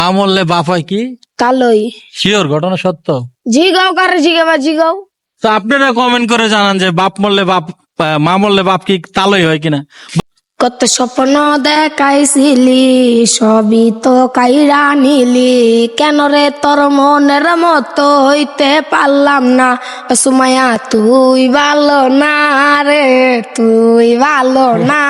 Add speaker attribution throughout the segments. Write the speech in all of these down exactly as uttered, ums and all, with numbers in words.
Speaker 1: আমলে বাপ হয় কি
Speaker 2: কালোই।
Speaker 1: শিওর ঘটনা সত্য?
Speaker 2: জিগাও কারে জিগাবা জিগাও।
Speaker 1: তো আপনারা কমেন্ট করে জানান যে বাপ মরলে বাপ আহ, মা মরলে বাপ কি তালই হয় কিনা।
Speaker 2: কত স্বপ্ন দেখাইছিলি সবই তো কাইরা নিলি, কেন রে তোর মনের মতো হইতে পারলাম না। সুমাইয়া তুই ভালো না রে, তুই ভালো না।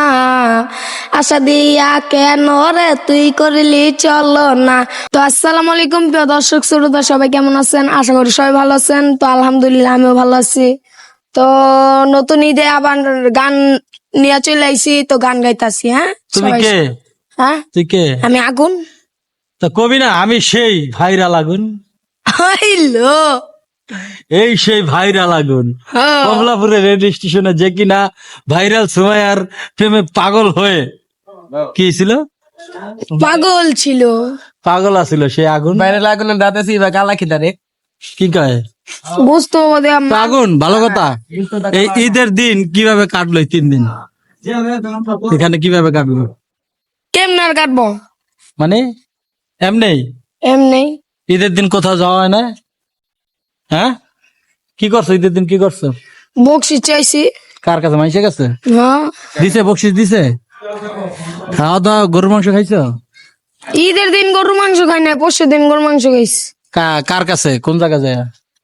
Speaker 2: আশা দিয়া কেন রে তুই করলি চলো না। তো আসসালামু আলাইকুম প্রিয় দর্শক শ্রোতা, সবাই কেমন আছেন? আশা করি সবাই ভালো আছেন। তো আলহামদুলিল্লাহ আমিও ভালো আছি। তো নতুন ঈদে আবার গান নিয়ে চলে আইছি, তো গান গাইতাছি। হ্যাঁ
Speaker 1: তুমি
Speaker 2: সবাই-
Speaker 1: কে?
Speaker 2: হ্যাঁ
Speaker 1: তুই কে?
Speaker 2: আমি আগুন।
Speaker 1: তা কবি না আমি সেই ভাইরাল আগুন,
Speaker 2: হইলো
Speaker 1: এই সেই ভাইরাল আগুন।
Speaker 2: হ্যাঁ।
Speaker 1: কমলাপুরের রেডিও স্টেশনে যে কিনা ভাইরাল সুমাইয়ার প্রেমে পাগল হয়ে কি ছিল,
Speaker 2: পাগল ছিল।
Speaker 1: পাগল আছিল সেই আগুন।
Speaker 3: বাইরে লাগুন দাঁতেছি বা কালা খিদারে
Speaker 1: কি কয়
Speaker 2: বুঝতো বোধহয়
Speaker 1: তো
Speaker 2: আম্মা।
Speaker 1: আগুন? ভালো কথা। এই ঈদের দিন কিভাবে কাটলো? এই তিন দিন এখানে কিভাবে কাটলো?
Speaker 2: কেমনে আর কাটবো?
Speaker 1: মানে এমনি
Speaker 2: এমনি
Speaker 1: ঈদের দিন কোথাও যাওয়া হয় না? হ্যাঁ কি করছো ঈদের দিন? কি করছো?
Speaker 2: বকশি চাইছি।
Speaker 1: কার কাছে? মাইসে গেছে
Speaker 2: হ্যাঁ
Speaker 1: দিছে, বকশিস দিছে। খাওয়া দাওয়া গরুর মাংস খাইছো?
Speaker 2: ঈদের দিন গরু মাংস খাই না, পরশু দিন গরু মাংস খাইছি
Speaker 1: কা- কার কাছে? কোন জায়গা যায়?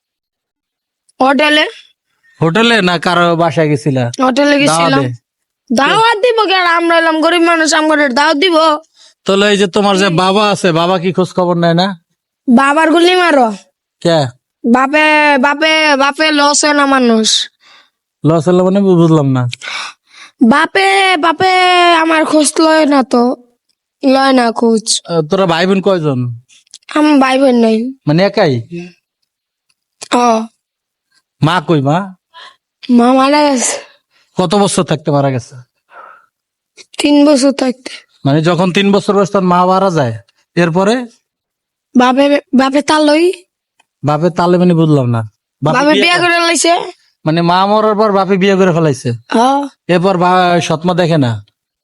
Speaker 2: হোটেলে।
Speaker 1: হোটেলে না কারো বাসায় গেছিলা?
Speaker 2: হোটেলে গেছিলাম।
Speaker 1: দাওয়াতে?
Speaker 2: দাওয়াত দিব কেন? আমরা এলাম গরিব মানুষ, আমাদের দাওয়াত দিব।
Speaker 1: তাহলে এই যে তোমার যে বাবা আছে, বাবা কি খোঁজ খবর নেয় না?
Speaker 2: বাবার গুলি মারো।
Speaker 1: কে
Speaker 2: বাপে বাপে বাপে লস হয় না মানুষ।
Speaker 1: লস হলো মানে বুঝলাম না।
Speaker 2: বাপে বাপে আমার খোঁজ লয় না, তো লয় না খোঁজ।
Speaker 1: আহ, তোরা ভাই বোন কয়জন?
Speaker 2: আমার ভাই বোন নাই।
Speaker 1: মানে একাই?
Speaker 2: ও
Speaker 1: মা কই? মা
Speaker 2: মা মারা গেছে
Speaker 1: কত বছর থাকতে মারা গেছে?
Speaker 2: তিন বছর থাকতে।
Speaker 1: মানে যখন তিন বছর বয়স তখন মা মারা যায়, এরপরে
Speaker 2: বাপে বাপে তালই
Speaker 1: বাপের তালে মানে বুঝলাম না। বাপে
Speaker 2: বাপে
Speaker 1: বিয়ে
Speaker 2: বিয়া করে লাইছে।
Speaker 1: মানে মা মরার পর বাপে বিয়ে করে ফেলাইছে,
Speaker 2: হ্যাঁ
Speaker 1: এরপর বা- সৎমা দেখে না।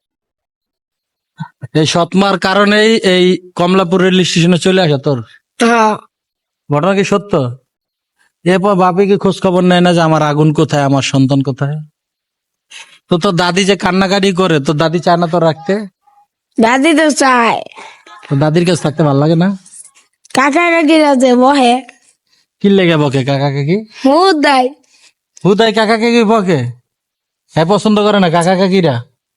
Speaker 1: এই সৎমার কারণেই এই কমলাপুর রেল স্টেশনে চলে আসে তোর।
Speaker 2: হ্যাঁ
Speaker 1: ঘটনা কি সত্য? এরপর বাপে কি খোঁজ খবর নেয় না যে আমার আগুন কোথায়, আমার সন্তান কোথায়? তো তোর দাদি যে কান্নাকাটি করে, তোর দাদি চায় না তোর রাখতে?
Speaker 2: দাদি তো চায়।
Speaker 1: তোর দাদির কাছে থাকতে ভালো লাগে না?
Speaker 2: কাকা কাকিরা যে বহে
Speaker 1: কি লেগে বকে কাকা কাকি?
Speaker 2: মুদ দেয়।
Speaker 1: হুদাই কাকা কাকি বকে? হ্যাঁ পছন্দ করে না কাকা কাকিরা?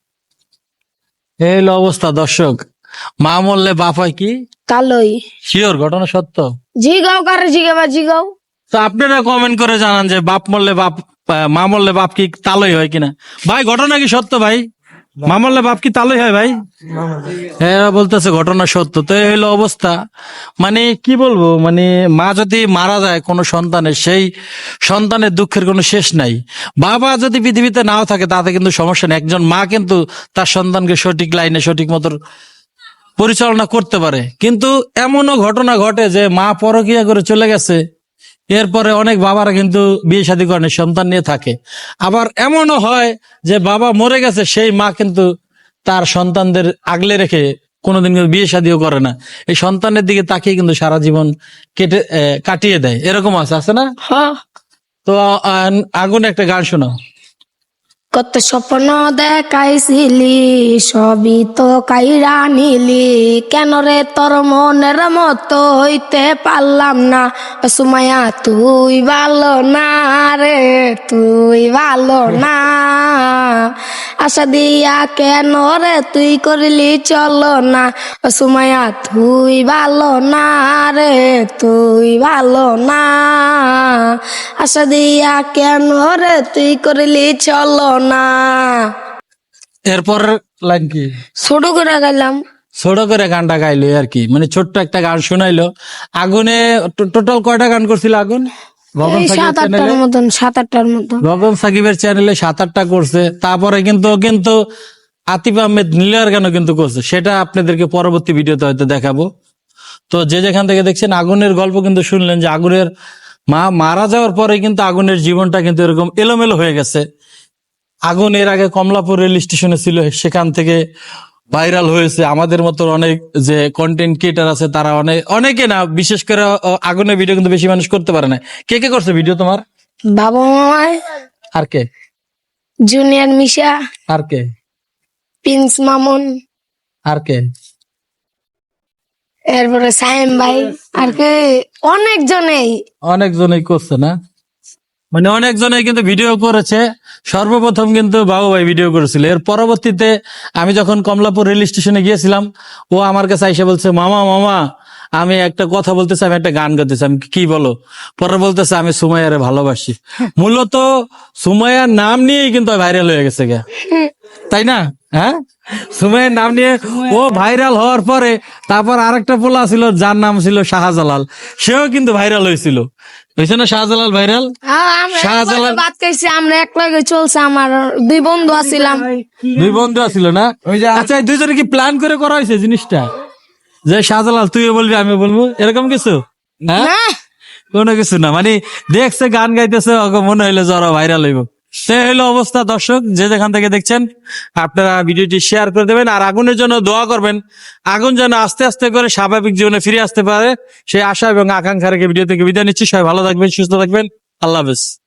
Speaker 1: এই হলো অবস্থা দর্শক। মা মরলে বাপ হয় কি
Speaker 2: কালোই।
Speaker 1: শিওর ঘটনা সত্য?
Speaker 2: জিগাও কারে জিগাবা জিগাও।
Speaker 1: তো আপনারা কমেন্ট করে জানান যে বাপ মরলে বাপ আহ, মা মরলে বাপ কি তালই হয় কিনা। ভাই ঘটনা কি সত্য? ভাই মা মরলে বাপ কি তালই হয়? ভাই হ্যাঁ বলতেছে ঘটনা সত্য। তো এই হলো অবস্থা। মানে কি বলবো, মানে মা যদি মারা যায় কোনো সন্তানের, সেই সন্তানের দুঃখের কোনো শেষ নাই। বাবা যদি পৃথিবীতে নাও থাকে তাতে কিন্তু সমস্যা নেই, একজন মা কিন্তু তার সন্তানকে সঠিক লাইনে সঠিক মতো পরিচালনা করতে পারে। কিন্তু এমনও ঘটনা ঘটে যে মা পরকিয়া করে চলে গেছে, এরপরে অনেক বাবারা কিন্তু বিয়ে শাদী করেন, সন্তান নিয়ে থাকে। আবার এমনও হয় যে বাবা মরে গেছে, সেই মা কিন্তু তার সন্তানদের আগলে রেখে কোনোদিন কিন্তু বিয়ে শাদীও করে না, এই সন্তানের দিকে তাকিয়ে কিন্তু সারা জীবন কেটে আহ, কাটিয়ে দেয়। এরকম আছে আছে না?
Speaker 2: হ্যাঁ
Speaker 1: তো আহ, আগুন একটা গান শোনো।
Speaker 2: কত স্বপ্ন দেখাইছিলি সবই তো কাইরা নিলি, কেন রে তোর মনের মতো হইতে পারলাম না। সুমাইয়া তুই ভালো না রে, তুই ভালো না। আশা দিয়া কেন রে তুই করলি চলো না। সুমাইয়া তুই ভালো না রে, তুই ভালো না। আশা দিয়া কেন রে তুই করলি চলো না।
Speaker 1: এরপর লাইন কি?
Speaker 2: ছোট করে গেলাম।
Speaker 1: ছোট করে গানটা গাইলো আর কি, মানে ছোট্ট একটা গান শোনাইলো। আগুনে টোটাল কয়টা গান করছিল আগুন? গগন
Speaker 2: এই
Speaker 1: সাকিবের
Speaker 2: সাত আটটার
Speaker 1: চ্যানেলে
Speaker 2: মতন সাত আটটার মতন
Speaker 1: গগন সাকিবের চ্যানেলে সাত আটটা করছে। তারপরে কিন্তু ও কিন্তু আতিফ আহমেদ নীলার গানও কিন্তু করছে, সেটা আপনাদেরকে পরবর্তী ভিডিওতে হয়তো দেখাবো। তো যে যেখান থেকে দেখছেন আগুনের গল্প কিন্তু শুনলেন যে আগুনের মা মারা যাওয়ার পরে কিন্তু আগুনের জীবনটা কিন্তু এরকম এলোমেলো হয়ে গেছে। আগুন এর আগে কমলাপুর রেল স্টেশনে ছিল, সেখান থেকে ভাইরাল হয়েছে, আমাদের মতো অনেক যে কন্টেন্ট ক্রিয়েটার আছে তারা অনেক অনেকে না, বিশেষ করে আহ, আগুনের ভিডিও কিন্তু বেশি মানুষ করতে পারে না। কে কে করছে ভিডিও তোমার?
Speaker 2: বাবা মামায়,
Speaker 1: আর কে?
Speaker 2: জুনিয়র মিশা,
Speaker 1: আর কে?
Speaker 2: প্রিন্স মামুন,
Speaker 1: আর কে?
Speaker 2: এরপরে সাইম ভাই, আর কি অনেক জনেই।
Speaker 1: অনেকজনই করছে না, মানে অনেকজনে কিন্তু ভিডিও করেছে। সর্বপ্রথম কিন্তু বাবু ভাই ভিডিও করেছিল। এর পরবর্তীতে আমি যখন কমলাপুর রেল স্টেশনে গিয়েছিলাম, ও আমার কাছে এসে বলছে, মামা মামা আমি একটা কথা বলতেছি, আমি একটা গান গাইতেছি। আমি কি বলো? পরে বলতেছে আমি সুমাইয়ারে ভালোবাসি। মূলত সুমাইয়ার নাম নিয়েই কিন্তু ভাইরাল হয়ে গেছে গে, তাই না? হ্যাঁ, সুমাইয়ের নাম নিয়ে ও ভাইরাল হওয়ার পরে তারপর আরেকটা পোলা ছিল যার নাম ছিল শাহজালাল, সেও কিন্তু ভাইরাল হয়েছিল। হয়েছে না শাহজালাল ভাইরাল?
Speaker 2: হ্যাঁ, আমরা
Speaker 1: শাহজালাল-
Speaker 2: একলগে ভাত খাইছি, আমরা এক লগে চলছে, আমার দুই বন্ধু আছিলাম।
Speaker 1: দুই বন্ধু আছিল না?
Speaker 3: ওই যে
Speaker 1: আচ্ছা, এই দুইজনে কি প্ল্যান করে করা হয়েছে জিনিসটা, যে শাহজালাল তুইও বলবি আমি বলবো, এরকম কিছু? হ্যাঁ,
Speaker 2: না,
Speaker 1: কোনো কিছু না, মানে দেখছে গান গাইতেছে, ওকে মনে হইলো যারা ভাইরাল হইব। সে হইলো অবস্থা। দর্শক যে যেখান থেকে দেখছেন, আপনারা ভিডিওটি শেয়ার করে দেবেন আর আগুনের জন্য দোয়া করবেন, আগুন যেন আস্তে আস্তে করে স্বাভাবিক জীবনে ফিরে আসতে পারে, সেই আশা এবং আকাঙ্ক্ষা রেখে ভিডিও থেকে বিদায় নিচ্ছি। সবাই ভালো থাকবেন, সুস্থ থাকবেন, আল্লাহ হাফেজ।